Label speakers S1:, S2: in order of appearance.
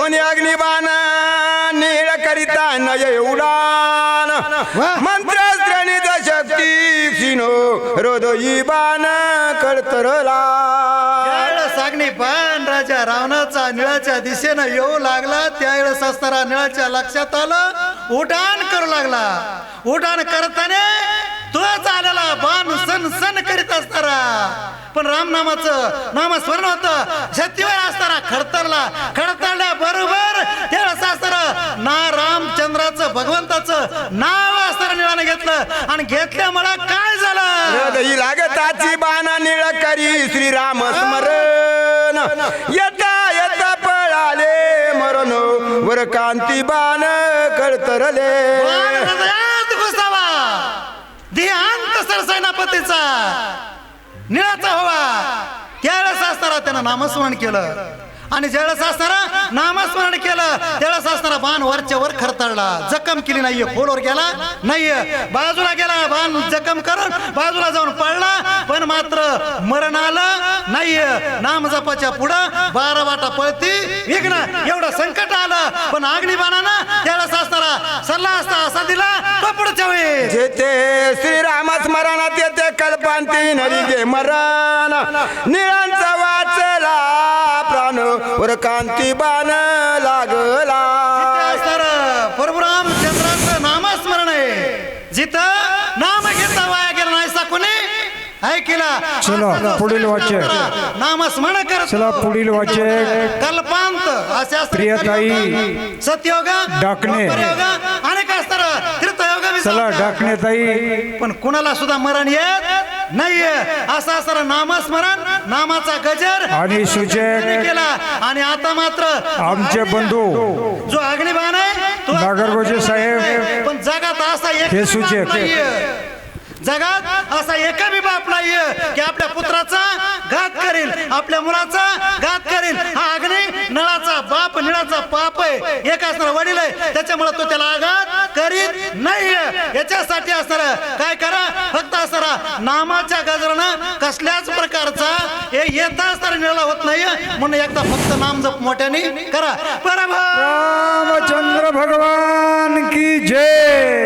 S1: दोन्ही अग्निबाण नीळ करिता नय उडान मंत्रस्त्रणित शक्ती सिनो हृदयी बाण कळतरला
S2: अग्निबाण राजा रावणाचा निळाच्या दिशेनं येऊ लागला त्यावेळेस असताना निळाच्या लक्षात आलं उड्डाण करू लागला उड्डाण करताना तोच आलेला बाण सन सन करीत असताना पण रामनामाचं नामस्मरण होतं शक्तीवर असताना खडतरल्या बरोबर त्यावेळेस असताना ना रामचंद्राचं भगवंताचं नाव असताना निळाने घेतलं आणि घेतल्यामुळे काय झालं
S1: हृदयी लागताची बाण नीळ करी श्रीराम स्मरण येता येता पळाले मरण वर कांती बाण कळतरले
S2: हृदयात घुसावा देहांत सरसेनापतीचा निळाचा व्हावा त्यावेळेस असताना त्यानं नामस्मरण केलं आणि ज्यावेळेस असताना नामस्मरण केलं त्यावेळेस असताना बाण वरच्या वर खरतळला जखम केली नाहीये खोलवर गेला नाहीये बाजूला गेला बाण जखम करून बाजूला जाऊन पडला पण मात्र मरण आलं नाहीये नाम जपाच्या पुढं 12 वाटा पळती विघ्न एवढं संकट आलं पण अग्निबाणानं त्यावेळेस असताना सल्ला असता असा दिला तो पुढच्या वेळी
S1: जेथे श्रीराम स्मरणात येते कल्पांती नरी गे मरण निळांचा वाचला प्राण वर कांती बाण लागला
S2: प्रभू रामचंद्राचं नामस्मरण आहे जिथं नाम घेता वाया गेला नाही कोणी ऐकला
S3: चला पुढील वाक्य
S2: नामस्मरण कर
S3: चला पुढील वाक्य
S2: कल्पांत असे
S3: प्रियताई
S2: सत्ययोग
S3: डाकणे
S2: अनेक असतात त्रितयोग
S3: चला डाकणे ताई
S2: पण कुणाला सुद्धा मरण येत नाहीये असं असताना नामस्मरण नामाचा गजर
S3: आणि सूचक
S2: केला आणि आता मात्र
S3: आमचे बंधू
S2: जो अग्निबाण आहे तो
S3: नागरगोजे साहेब
S2: पण जगात असा एक
S3: हे सूचक
S2: जगात असा एका बी बाप नाहीये की आपल्या पुत्राचा घात करेल आपल्या मुलाचा घात करेल हा अग्नी नळाचा बाप निळाचा पाप आहे एक असणारा वडील आहे त्याच्यामुळे तो त्याला आघात करीत नाहीये याच्यासाठी असणारा काय करा फक्त असणारा नामाच्या गजरानं कसल्याच प्रकारचा हे येता असणारा निळा होत नाहीये म्हणून एकदा फक्त नाम जप मोठ्याने करा बरोबर
S3: रामचंद्र भगवान की जय.